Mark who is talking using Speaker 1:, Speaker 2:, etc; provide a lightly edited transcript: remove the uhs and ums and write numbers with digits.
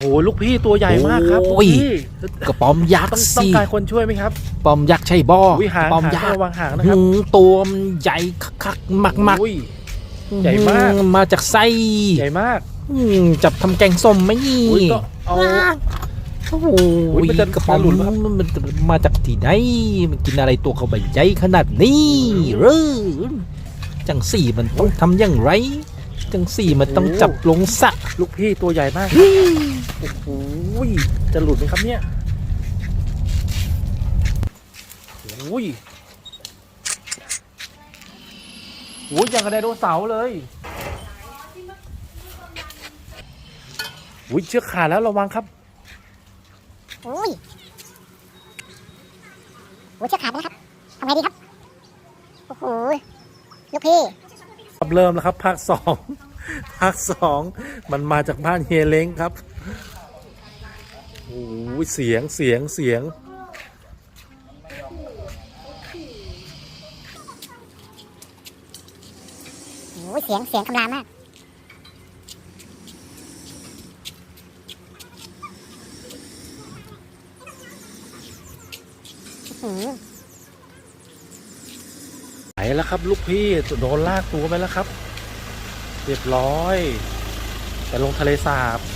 Speaker 1: โอ้ลูกพี่ตัวใหญ่มากครับ
Speaker 2: โอ้ย
Speaker 1: พี่
Speaker 2: กระป๋อมยักษ์
Speaker 1: ต้อง
Speaker 2: สิ
Speaker 1: การคนช่วยไหมครับ
Speaker 2: ปอมยักษ์ใช่บ่
Speaker 1: อุ้ยหาง
Speaker 2: ปอม
Speaker 1: หาง
Speaker 2: ยักษ์
Speaker 1: ระวังหางนะครับ
Speaker 2: ตัวมันใหญ่คักๆมาก
Speaker 1: อุ้ย
Speaker 2: ๆ
Speaker 1: ใหญ่มาก
Speaker 2: มาจากไส้
Speaker 1: ใหญ่มาก
Speaker 2: จับทำแกงส้มไหมนี่
Speaker 1: อุ้ยก็เอา
Speaker 2: โอ้โห
Speaker 1: อุ๊ยมันจะ
Speaker 2: กระป๋อม
Speaker 1: หลุดไหมครับ
Speaker 2: มันมาจากที่ไหนมันกินอะไรตัวเขาใบใหญ่ขนาดนี้หรือจังสี่มันต้องทำอย่างไร จังสี่มันต้องจับลงสระ
Speaker 1: ลูกพี่ตัวใหญ่มากโอ้โหจะหลุดไหมครับเนี่ยโอ้ยโอ้ยอย่างกับไดโนเสาร์เลยโอ้ยเชือกขาดแล้วระวังครับ
Speaker 3: โอ้ยเชือกขาดไปแล้วครับทำไงดีครับ โอ้โห ลูกพี่
Speaker 1: เริ่มแล้วครับภาคสองภาคสองมันมาจากบ้านเฮียเล้งครับโอ้ยเสียง
Speaker 3: โอ้ยเสียงคำรามมากอื้อหือ
Speaker 1: ไปแล้วครับลูกพี่โดนลากตัวไปแล้วครับเรียบร้อยแต่ลงทะเลสาบ